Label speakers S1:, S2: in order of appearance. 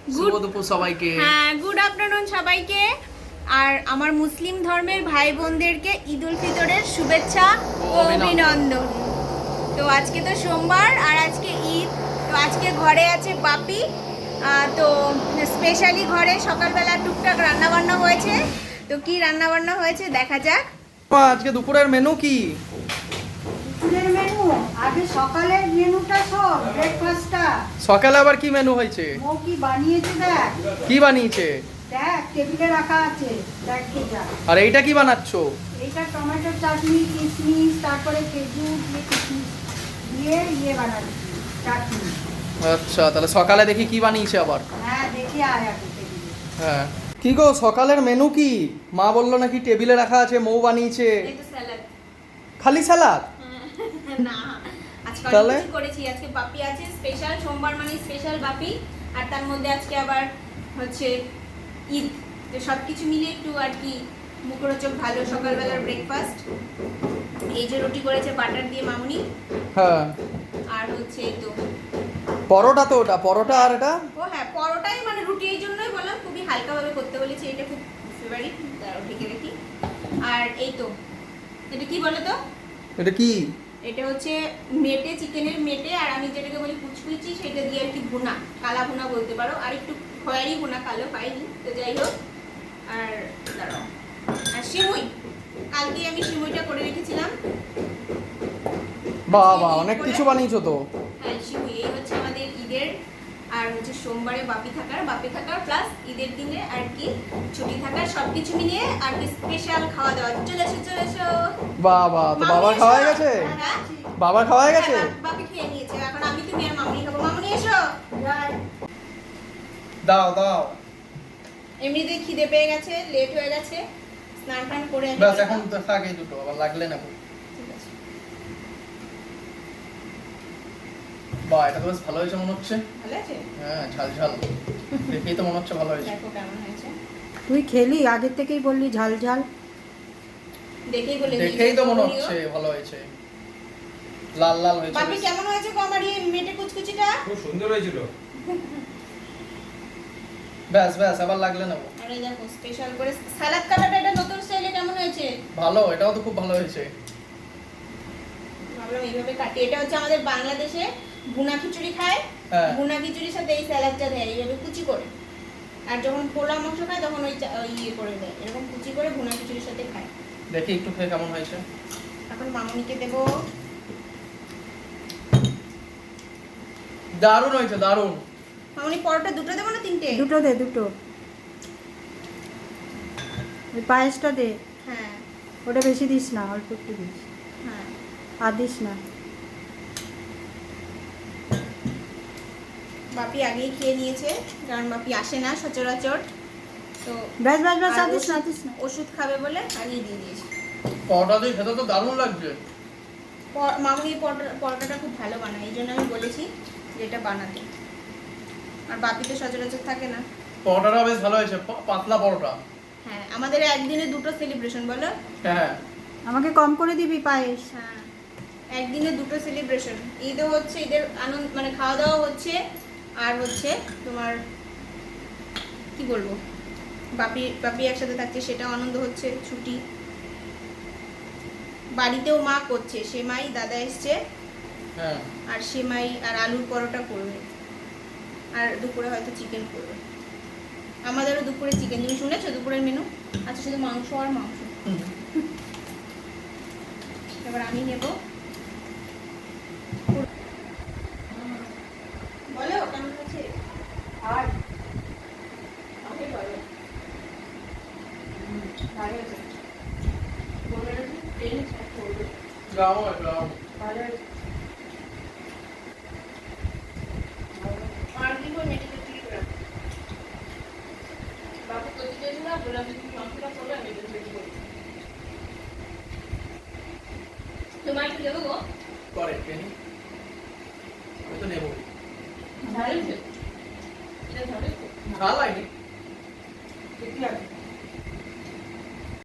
S1: শুভ দুপুর সবাইকে।
S2: হ্যাঁ, গুড আফটারনুন সবাইকে। আর আমার মুসলিম ধর্মের ভাই বোনদেরকে ঈদ উল ফিতরের শুভেচ্ছা ও অভিনন্দন। তো আজকে তো সোমবার আর আজকে ঈদ। তো আজকে ঘরে আছে বাপি। তো স্পেশালি ঘরে সকালবেলা টুকটাক রান্নাবান্না হয়েছে। তো কি রান্নাবান্না হয়েছে দেখা যাক।
S1: আজকে দুপুরের মেনু কি?
S3: দুপুরের মেনু আগে সকালের মেনুটা সব ব্রেকফাস্টটা।
S1: সকালে আবার কি মেনু হয়েছে?
S3: ও কি বানিয়েছে দেখ।
S1: কি বানিয়েছে?
S3: দেখ টেবিলে রাখা আছে, দেখ যা।
S1: আর এইটা কি বানাচ্ছো?
S3: এইটা টমেটো চাটনি, কিশমিশ, তারপরে খেজুর দিয়ে কিশমিশ দিয়ে বানাচ্ছি চাটনি।
S1: আচ্ছা, তাহলে সকালে দেখি কি বানিয়েছে আবার।
S3: হ্যাঁ দেখে আয় আগে টেবিলে।
S1: হ্যাঁ, কি গো সকালের মেনু কি? মা বললো নাকি টেবিলে রাখা আছে, মৌ বানিয়েছে।
S2: এই তো স্যালাড।
S1: খালি সালাদ?
S2: না, আজকে
S1: তাহলে?
S2: অনেক কিছু করেছি। আজকে বাপি আছে স্পেশাল, সোমবার মানে স্পেশাল বাপি। আর তার মধ্যে আজকে আবার হচ্ছে ঈদ। তো সব কিছু মিলে একটু আর কি মুখরোচক ভালো সকালবেলার ব্রেকফাস্ট। এই যে রুটি করেছে বাটার দিয়ে মামুনি।
S1: হ্যাঁ,
S2: আর হচ্ছে এই তো
S1: পরোটা। তো ওটা পরোটা আর এটা
S2: ও হ্যাঁ, পরোটাই মানে রুটি, এই জন্যই বললাম খুবই হালকাভাবে করতে বলেছি। এটা খুব ফেভারিট, দাঁড়াও ঢেকে রাখি। আর এই তো এটা কি বলো তো?
S1: এটা কি?
S2: এটা হচ্ছে মেটে, চিকেনের মেটে। আর আমি যেটাকে বলি কুচকুচি, সেটা দিয়ে আর কি ভুনা, কালা ভুনা বলতে পারো। আর একটু খয়েরি ভুনা, কালো পাইনি। তো যাই হোক, আর দাঁড়াও, আর সিমুই, কালকে আমি সিমুইটা করে রেখেছিলাম।
S1: বাবা, অনেক কিছু বানিয়েছো তো।
S2: হ্যাঁ, সিমুই এই হচ্ছে আমাদের ঈদের। আর হচ্ছে সোমবারে বাপি থাকার প্লাস ঈদের দিনে আর কি ছুটি থাকার, সবকিছু মিলিয়ে আর কি স্পেশাল খাওয়া দাওয়া। চলে এসো।
S1: বাবা, তো বাবা খাওয়া হয়ে গেছে?
S2: হ্যাঁ,
S1: বাবা খাওয়া হয়ে গেছে?
S2: বাপি খেয়ে নিয়েছে। এখন আমি, তুমি আর মামনি খাবো। মামনি এসো।
S1: দাও।
S2: এমনিতেই খিদে পেয়ে গেছে, লেট হয়ে গেছে, স্নান টান করে
S1: ব্যাস, এখন তো থাক এই দুটো, আবার লাগলে নেবো।
S2: ঠিক আছে।
S1: বাহ, এটা তো বেশ ভালো হয়েছে মনে হচ্ছে।
S2: ভালো আছে?
S1: হ্যাঁ, ঝাল দেখেই তো মনে হচ্ছে ভালো হয়েছে।
S2: দেখো কেমন হয়েছে।
S3: তুই খেলি আগের থেকেই বললি ঝাল ঝাল।
S1: দেখেই তো মনে হচ্ছে ভালো হয়েছে, লাল হয়েছে।
S2: বাপি কেমন হয়েছে গো আমার এই মেটে কুচকুচিটা?
S4: খুব সুন্দর হয়েছিল।
S1: ব্যাস, আবার লাগলে নেবো।
S2: আরে দেখো স্পেশাল করে সালাদ কাটাটা, এটা নতুন স্টাইলে কেমন হয়েছে?
S1: ভালো, এটাও তো খুব ভালো হয়েছে।
S2: ভাবলাম এইভাবে কাটি। এটা হচ্ছে আমাদের বাংলাদেশে ভুনা খিচুড়ি খায়।
S1: হ্যাঁ।
S2: ভুনা খিচুড়ির সাথে এই স্যালাডটা দেয় এইভাবে কুচি করে। আর যখন পোলা মাংস খায় তখন ওই ইয়ে করে দেয়, এরকম কুচি করে ভুনা খিচুড়ির সাথে খায়।
S1: দেখি একটু খেয়ে কেমন হয়েছে।
S2: এখন মামুনিকে দেবো।
S1: দারুণ হয়েছে, দারুণ।
S2: মামুনি পরোটা দুটো দেবো না তিনটে?
S3: দুটো দে, দুটো। ওই পায়েসটা দে,
S2: হ্যাঁ
S3: ওটা বেশি দিস না, অল্প একটু দিস,
S2: হ্যাঁ।
S3: আর দিস না।
S2: বাপি আগেই খেয়ে নিয়েছে, কারণ বাপি আসে না সচরাচর। তো
S3: ব্যাস আর
S2: আর
S3: দিস না, দিস না।
S2: ওষুধ খাবে বলে আগেই দিয়ে দিয়েছে।
S1: পরোটা দিয়ে খেতে তো দারুণ লাগছে।
S2: মামুনি পরোটাটা খুব ভালো বানায়, এই জন্য আমি বলেছি যে এটা বানাতে। আর বাপি তো সচরাচর থাকে না।
S1: পরোটাটা বেশ ভালো হয়েছে, পাতলা পরোটা।
S2: হ্যাঁ, আমাদের একদিনে দুটো সেলিব্রেশন বলো।
S1: হ্যাঁ,
S3: আমাকে কম করে দিবি পায়েস।
S2: হ্যাঁ, একদিনে দুটো সেলিব্রেশন। ঈদও হচ্ছে, ঈদের আনন্দ মানে খাওয়া দাওয়া হচ্ছে, আর হচ্ছে তোমার কি বলবো, বাপি একসাথে থাকছে, সেটাও আনন্দ হচ্ছে। ছুটি, বাড়িতেও মা করছে সেমাই, দাদা এসছে।
S1: হ্যাঁ।
S2: আর সেমাই আর আলুর পরোটা করবে। আর দুপুরে হয়তো চিকেন করবে। আমাদেরও দুপুরে চিকেন। তুমি শুনেছো দুপুরের মেনু? আচ্ছা, শুধু মাংস আর মাংস। এবার আমি নেব। বলো কেমন আছে?
S3: আর
S2: আমাকে বলো।
S3: ভালো হয়েছে,
S2: বলো না, ট্রেন স্টার্ট করবে।
S1: গাও।
S3: ভালো হয়েছে।
S2: আর কি করে মেডিকেল ঠিক করে বাবু তো দিতে না, বললাম তুমি মাংসটা করবে, আমি এটা রেডি করি। তোমার কি দেবো গো?
S1: করে ট্রেনিং আমি তো নেবো।
S2: ভালো হয়েছে, এটা ভালো হয়েছে।
S1: ঝাল হয়নি।
S3: ঠিকই আছে।